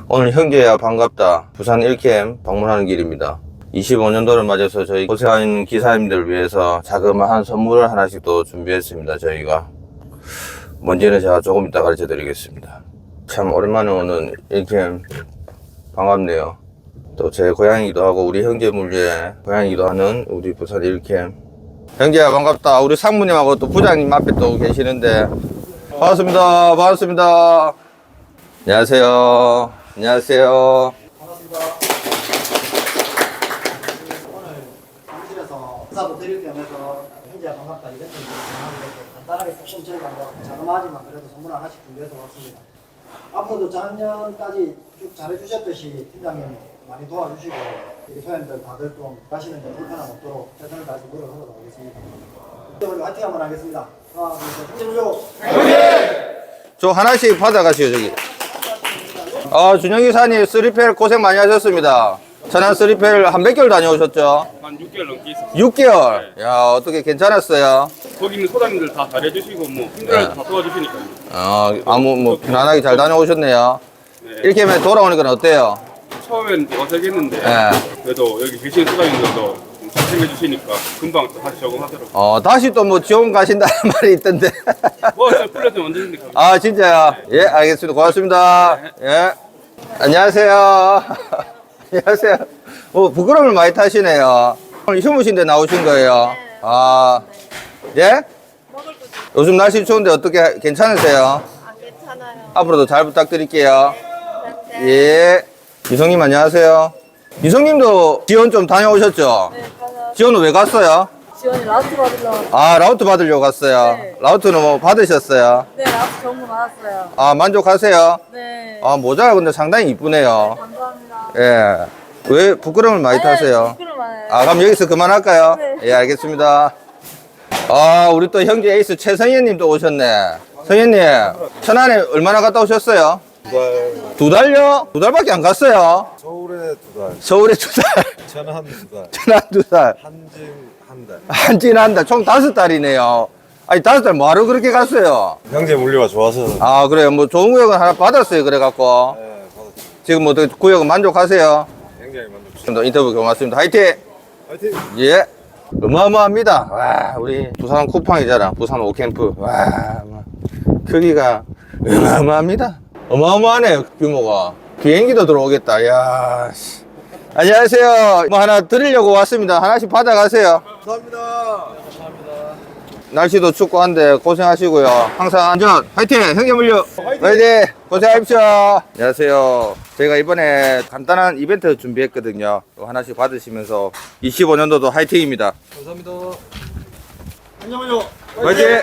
오늘 형제야 반갑다 부산 1캠 방문하는 길입니다. 25년도를 맞아서 저희 고생하는 기사님들을 위해서 자그마한 선물을 하나씩 또 준비했습니다. 저희가 뭔지는 제가 조금 이따 가르쳐 드리겠습니다. 참 오랜만에 오는 1캠 반갑네요. 또 제 고향이기도 하고 우리 형제 물리의 고향이기도 하는 우리 부산 1캠. 형제야 반갑다. 우리 상무님하고 또 부장님 앞에 또 계시는데 반갑습니다. 반갑습니다. 안녕하세요. 안녕하세요. 반갑습니다. 오늘 사무실에서 인사도 드릴 겸해서 현재 반갑다 이벤트를 진행하고 간단하게 조금 저희가 뭐 자그마하지만 그래도 선물 하나씩 준비해서 왔습니다. 앞으로도 작년까지 쭉 잘해주셨듯이 팀장님 많이 도와주시고 우리 소연들 다들 좀 가시는 데 불편함 없도록 최선을 다해서 노력하도록 하겠습니다. 오늘 화이팅 한번 하겠습니다. 하나, 둘, 셋, 화이팅! 저 하나씩 받아가시오 저기. 준영 기사님 3펠 고생 많이 하셨습니다. 천안 3펠 한 몇 개월 다녀오셨죠? 한 6개월 넘게 있었어요. 6개월? 야 어떻게 괜찮았어요? 거기 있는 소장님들 다 잘해주시고 뭐 힘들어도 다 도와주시니까요. 뭐 편안하게 잘 다녀오셨네요. 네. 이렇게 하면 돌아오니까 어때요? 처음엔 어색했는데 네. 그래도 여기 계신 소장님들도 잘 챙겨주시니까 금방 또 다시 적응하더라고요. 다시 또 뭐 지원 가신다는 말이 있던데. 저 풀렸으면 언제든지 진짜요? 예, 알겠습니다. 고맙습니다. 예. 안녕하세요. 안녕하세요. 부끄러움을 많이 타시네요. 오늘 휴무신데 나오신 거예요? 예? 요즘 날씨 추운데 어떻게 괜찮으세요? 안 괜찮아요. 앞으로도 잘 부탁드릴게요. 네. 예. 이성님 안녕하세요. 이성님도 지원 좀 다녀오셨죠? 네, 가서 지원은 왜 갔어요? 지원이 라스트 받으러. 라우트 받으려고 갔어요. 네. 라우트는 뭐 받으셨어요? 네, 라스트 전부 받았어요. 만족하세요? 네. 모자가 근데 상당히 이쁘네요. 감사합니다. 예. 왜 부끄러움을 많이 타세요? 부끄러워요. 그럼 여기서 그만할까요? 네. 예, 알겠습니다. 우리 또 형제 에이스 최성현 또 오셨네. 성현님, 천안에 얼마나 갔다 오셨어요? 2달요? 2달밖에 안 갔어요? 서울에 2달, 서울에 2달, 천안 2달, 천안 2달, 한진 1달. 한진 한 달, 총 5달이네요. 아니, 5달 뭐하러 그렇게 갔어요? 형제 물리가 좋아서 그래요. 뭐 좋은 구역은 하나 받았어요. 그래갖고. 네, 받았죠. 지금 뭐 구역은 만족하세요? 굉장히 만족스럽습니다. 인터뷰 고맙습니다. 화이팅! 화이팅! 예. 어마어마합니다. 와, 우리 부산 쿠팡이잖아. 부산 5캠프. 와, 크기가 어마어마합니다. 어마어마하네요, 규모가. 비행기도 들어오겠다. 야, 씨. 안녕하세요. 뭐 하나 드리려고 왔습니다. 하나씩 받아가세요. 감사합니다. 날씨도 춥고 한데 고생하시고요. 항상 안전 화이팅! 형제 물류 화이팅! 고생하십시오. 안녕하세요. 저희가 이번에 간단한 이벤트 준비했거든요. 이거 하나씩 받으시면서 25년도도 화이팅입니다. 감사합니다. 안녕하세요. 화이팅!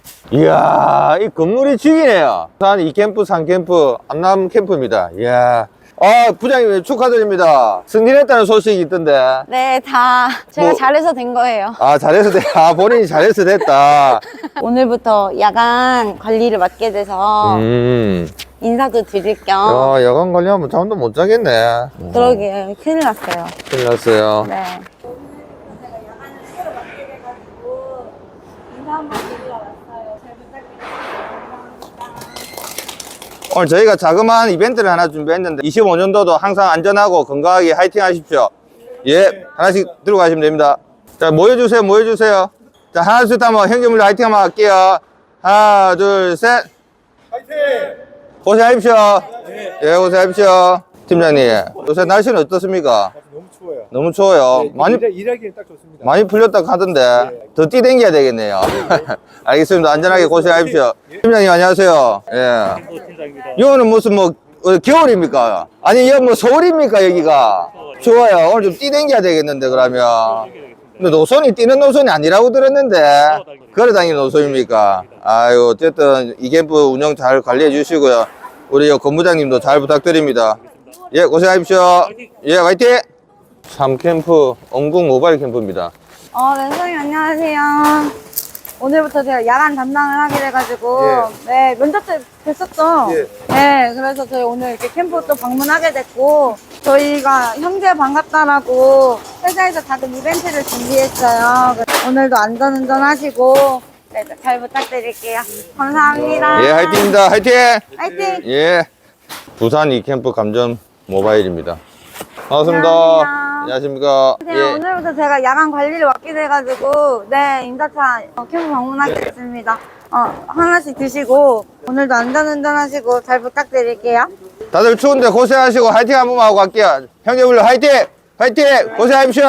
이야, 이 건물이 죽이네요. 부산 2캠프, 3캠프, 안남 캠프입니다. 이야. 부장님 축하드립니다. 승진했다는 소식이 있던데. 네, 다 제가 뭐- 잘해서 된 거예요. 잘해서 본인이 잘해서 됐다. 오늘부터 야간 관리를 맡게 돼서 인사도 드릴 겸. 야간 관리하면 잠도 못 자겠네. 그러게요. 큰일 났어요. 큰일 났어요. 네. 제가 야간을 새로 맡게 돼가지고 인사 한번 드리러 왔어요. 잘 부탁드립니다. 감사합니다. 오늘 저희가 자그마한 이벤트를 하나 준비했는데 25년도도 항상 안전하고 건강하게 화이팅 하십시오. 예, 하나씩 들고 가시면 됩니다. 자, 모여주세요, 모여주세요. 자, 하나, 둘, 셋 하면 형제물로 화이팅 한번 할게요. 하나, 둘, 셋. 화이팅! 고생하십시오. 예, 고생하십시오. 팀장님, 요새 날씨는 어떻습니까? 너무 추워요. 너무 추워요. 많이, 일하기엔 딱 좋습니다. 많이 풀렸다고 하던데 더 뛰댕겨야 되겠네요. 알겠습니다. 안전하게 고생하십시오. 팀장님 안녕하세요. 예. 이거는 무슨 겨울입니까? 아니 이거 뭐 서울입니까 여기가? 좋아요. 오늘 좀 뛰댕겨야 되겠는데 그러면. 근데 노선이 뛰는 노선이 아니라고 들었는데 걸어다니는 노선입니까? 아유 어쨌든 이 캠프 운영 잘 관리해 주시고요. 우리 건부장님도 잘 부탁드립니다. 예 고생하십시오. 예 화이팅! 3캠프 엉궁 모바일 캠프입니다. 네, 선생님 안녕하세요. 오늘부터 제가 야간 담당을 하게 돼가지고 네, 면접 때 뵀었죠? 예. 네, 그래서 저희 오늘 이렇게 캠프 또 방문하게 됐고 저희가 형제 반갑다라고 회사에서 작은 이벤트를 준비했어요. 오늘도 안전운전 하시고 네, 잘 부탁드릴게요. 감사합니다. 예 화이팅입니다. 화이팅! 화이팅! 예. 부산 이캠프 감전 모바일입니다. 반갑습니다. 안녕하세요. 안녕하십니까. 네, 예. 오늘부터 제가 야간 관리를 맡게 돼가지고, 네, 인사차 캠프 방문하겠습니다. 하나씩 드시고, 오늘도 안전운전 하시고, 잘 부탁드릴게요. 다들 추운데 고생하시고 화이팅 한번 하고 갈게요. 형제분들 화이팅! 화이팅! 고생하십시오.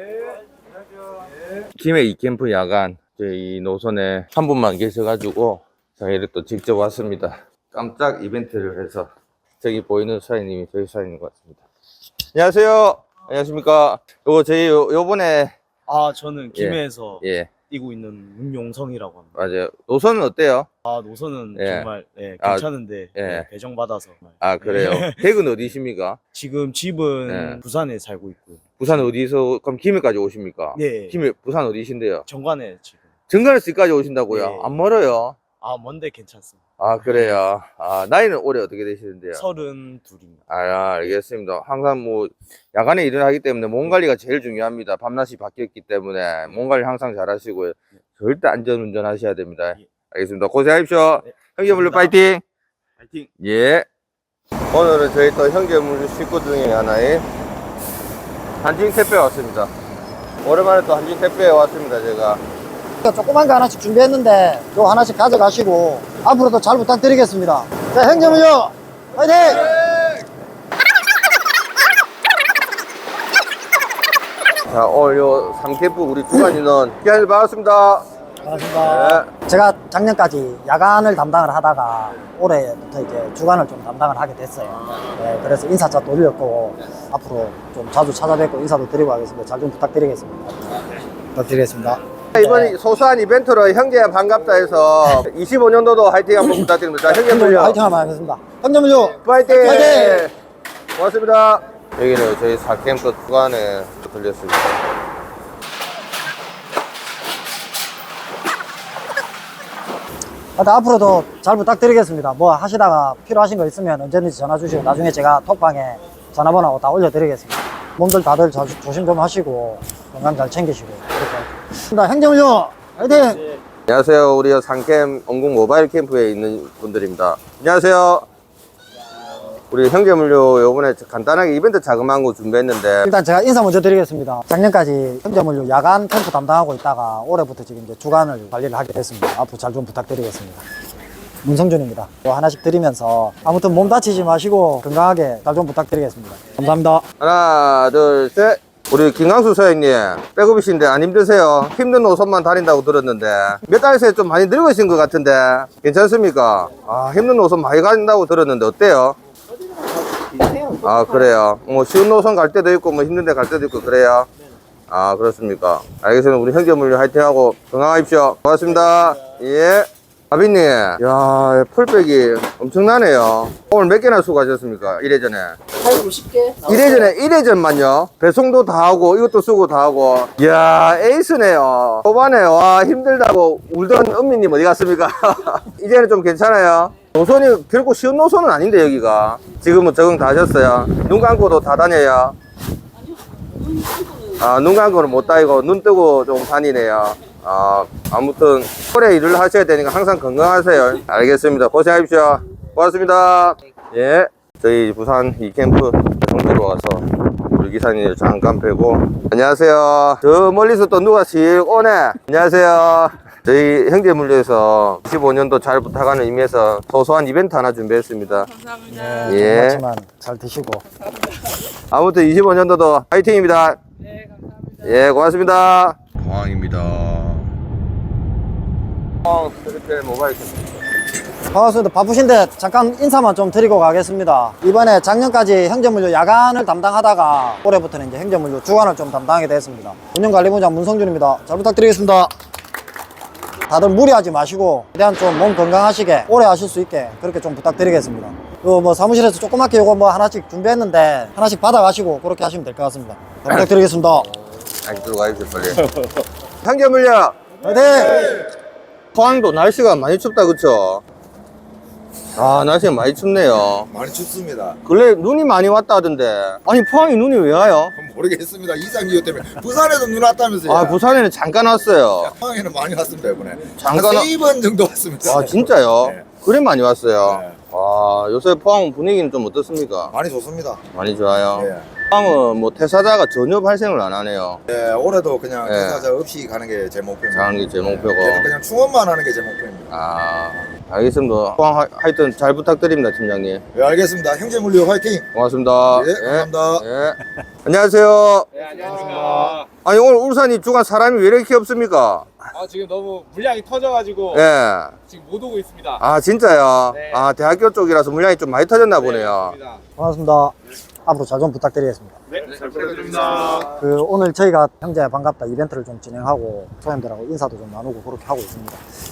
김해 이캠프 야간 저희 노선에 한 분만 계셔가지고 저희를 또 직접 왔습니다. 깜짝 이벤트를 해서 저기 보이는 사장님이 저희 사장님 같습니다. 안녕하세요. 안녕하십니까. 저희 요번에 저는 김해에서 예 뛰고 있는 문용성이라고 합니다. 맞아요. 노선은 어때요? 노선은 예. 정말 괜찮은데 예. 배정받아서 정말. 아 그래요. 댁은 어디십니까? 지금 집은 예. 부산에 살고 있고요. 부산 어디서 그럼 김해까지 오십니까? 네. 김해 부산 어디신데요? 정관에 지금. 정관에서까지 오신다고요? 예. 안 멀어요? 먼데 괜찮습니다. 아 그래요. 나이는 올해 어떻게 되시는데요? 32입니다. 알겠습니다. 항상 뭐 야간에 일을 하기 때문에 몸 관리가 제일 중요합니다. 밤낮이 바뀌었기 때문에 몸 관리 항상 잘 하시고요. 절대 안전운전 하셔야 됩니다. 예. 알겠습니다. 고생하십시오. 네, 형제물류 감사합니다. 파이팅! 파이팅! 예. 오늘은 저희 또 형제물류 식구 중에 하나인 한진 택배에 왔습니다. 오랜만에 또 한진 택배에 왔습니다, 제가. 조그만 거 하나씩 준비했는데 요 하나씩 가져가시고 앞으로도 잘 부탁드리겠습니다. 자, 행정물류 화이팅! 자, 오늘 요 3캠프 우리 주간 인원 기한일 반갑습니다. 반갑습니다. 제가 작년까지 야간을 담당을 하다가 올해부터 이제 주간을 좀 담당을 하게 됐어요. 네, 그래서 인사차 돌렸고 앞으로 좀 자주 찾아뵙고 인사도 드리고 하겠습니다. 잘 좀 부탁드리겠습니다. 부탁드리겠습니다. 이번 소소한 이벤트로 형제 반갑다 해서 25년도도 화이팅 한번 부탁드립니다. 형제물류 화이팅 한번 하겠습니다. 행정물류 파이팅! 파이팅! 고맙습니다. 여기는 저희 4캠프 주간에 들렸습니다. 하여튼 앞으로도 잘 부탁드리겠습니다. 뭐 하시다가 필요하신 거 있으면 언제든지 전화 주시고 나중에 제가 톡방에 전화번호 다 올려드리겠습니다. 몸들 다들 조심 좀 하시고 건강 잘 챙기시고 그렇게 행정물류 화이팅! 안녕하세요. 우리 상캠 원궁 모바일 캠프에 있는 분들입니다. 안녕하세요. 우리 형제물류 요번에 간단하게 이벤트 자그마한 거 준비했는데 일단 제가 인사 먼저 드리겠습니다. 작년까지 형제물류 야간 캠프 담당하고 있다가 올해부터 지금 이제 주간을 관리를 하게 됐습니다. 앞으로 잘 좀 부탁드리겠습니다. 문성준입니다. 또 하나씩 드리면서 아무튼 몸 다치지 마시고 건강하게 잘 좀 부탁드리겠습니다. 감사합니다. 하나 둘 셋. 우리 김강수 사장님 백업이신데 안 힘드세요? 힘든 노선만 다닌다고 들었는데 몇 달 새에 좀 많이 늙으신 것 같은데 괜찮습니까? 힘든 노선 많이 간다고 들었는데 어때요? 그래요. 뭐 쉬운 노선 갈 때도 있고 뭐 힘든 데 갈 때도 있고 그래요. 그렇습니까? 알겠습니다. 우리 형제물류 화이팅하고 건강하십시오. 고맙습니다. 예. 아비님, 야, 풀백이 엄청나네요. 오늘 몇 개나 수고하셨습니까? 1회전에. 50개? 1회전만요. 배송도 다 하고, 이것도 쓰고 다 하고. 이야, 에이스네요. 초반에, 와, 힘들다고 울던 은미님 어디 갔습니까? 이제는 좀 괜찮아요. 노선이 결코 쉬운 노선은 아닌데, 여기가. 지금은 적응 다 하셨어요. 눈 감고도 다 다녀요. 눈 감고는 못 다니고, 눈 뜨고 좀 다니네요. 아무튼 오래 일을 하셔야 되니까 항상 건강하세요. 알겠습니다. 고생하십시오. 고맙습니다. 예, 저희 부산 이캠프 정도로 와서 우리 기사님 잠깐 뵈고. 안녕하세요. 저 멀리서 또 누가 씩 오네. 안녕하세요. 저희 형제물류에서 25년도 잘 부탁하는 의미에서 소소한 이벤트 하나 준비했습니다. 네, 예. 그렇지만 잘 드시고. 아무튼 25년도도 화이팅입니다. 네, 감사합니다. 예, 고맙습니다. 공항입니다. 스리펠 모바일 캠프. 반갑습니다. 바쁘신데 잠깐 인사만 좀 드리고 가겠습니다. 이번에 작년까지 형제물류 야간을 담당하다가 올해부터는 이제 형제물류 주간을 좀 담당하게 됐습니다. 운영관리부장 문성준입니다. 잘 부탁드리겠습니다. 다들 무리하지 마시고 최대한 좀 몸 건강하시게 오래 하실 수 있게 그렇게 좀 부탁드리겠습니다. 뭐 사무실에서 조그맣게 요거 뭐 하나씩 준비했는데 하나씩 받아가시고 그렇게 하시면 될 것 같습니다. 잘 부탁드리겠습니다. 들어가십시오 빨리. 형제물류 화이팅! 포항도 날씨가 많이 춥다 그쵸? 날씨가 많이 춥네요. 많이 춥습니다. 근래 눈이 많이 왔다 하던데 아니 포항이 눈이 왜 와요? 모르겠습니다. 이상기후 때문에 부산에도 눈 왔다면서요. 부산에는 잠깐 왔어요. 포항에는 많이 왔습니다 이번에. 잠깐 한 3번 정도 왔습니다. 진짜요? 네. 그래 많이 왔어요. 네. 와, 요새 포항 분위기는 좀 어떻습니까? 많이 좋습니다. 많이 좋아요. 예. 포항은 뭐 퇴사자가 전혀 발생을 안 하네요. 예, 올해도 그냥 예. 퇴사자 없이 가는 게 제 목표입니다. 가는 게 제 목표고. 계속 그냥 충원만 하는 게 제 목표입니다. 아, 알겠습니다. 포항 하여튼 잘 부탁드립니다, 팀장님. 예, 알겠습니다. 형제물류 화이팅! 고맙습니다. 예, 감사합니다. 예. 안녕하세요. 네, 안녕하십니까. 아니, 오늘 울산이 주간 사람이 왜 이렇게 없습니까? 아, 지금 너무 물량이 터져가지고 예. 지금 못 오고 있습니다. 아, 진짜요? 네. 아, 대학교 쪽이라서 물량이 좀 많이 터졌나 보네요. 맞습니다. 반갑습니다. 앞으로 잘 좀 부탁드리겠습니다. 네, 잘 부탁드립니다. 오늘 저희가 형제 반갑다 이벤트를 좀 진행하고 소장님들하고 인사도 좀 나누고 그렇게 하고 있습니다.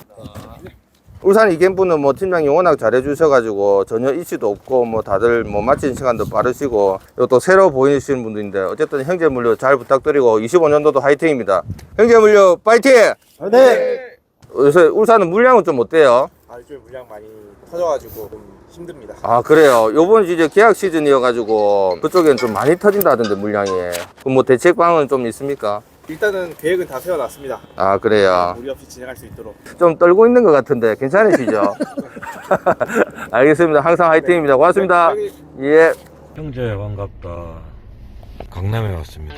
울산 이캠프는 뭐 팀장님 워낙 잘해주셔가지고 전혀 이슈도 없고 뭐 다들 뭐 마치는 시간도 빠르시고 또 새로 보이시는 분들인데 어쨌든 형제물류 잘 부탁드리고 25년도도 화이팅입니다. 형제물류 파이팅! 네. 요새 울산은 물량은 좀 어때요? 아, 요즘에 물량 많이 터져가지고 좀 힘듭니다. 아 그래요. 요번 이제 계약 시즌이어가지고 그쪽엔 좀 많이 터진다던데 물량이. 그럼 뭐 대책방은 좀 있습니까? 일단은 계획은 다 세워놨습니다. 아 그래요. 무리 없이 진행할 수 있도록. 좀 떨고 있는 것 같은데 괜찮으시죠? 알겠습니다. 항상 화이팅입니다. 고맙습니다. 네, 예. 형제 반갑다. 강남에 왔습니다.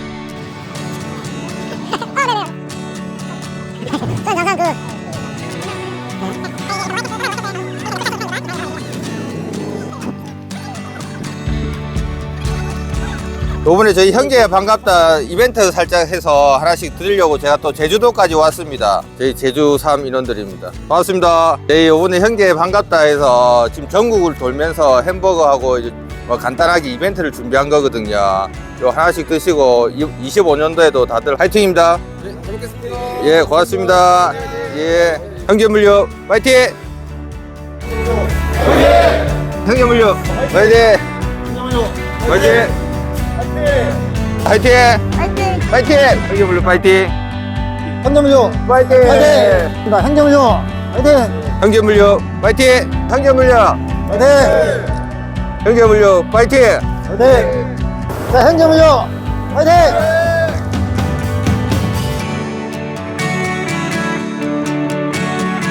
요번에 저희 형제 반갑다 이벤트 살짝 해서 하나씩 드리려고 제가 또 제주도까지 왔습니다. 저희 제주 3 인원들입니다. 반갑습니다. 저희 요번에 형제 반갑다 해서 지금 전국을 돌면서 햄버거하고 이제 뭐 간단하게 이벤트를 준비한 거거든요. 요 하나씩 드시고 25년도에도 다들 화이팅입니다. 네, 잘 먹겠습니다. 예, 고맙습니다. 예, 형제물류 파이팅! 형제물류 파이팅! 파이팅! 파이팅! 화이팅! 파이팅! 형제물류 파이팅! 형제물류 파이팅! 화이팅! 형제물류 화이팅! 형제물류 파이팅! 형제물류 화이팅! 형제물류 파이팅! 화이팅! 자, 형제물류 화이팅!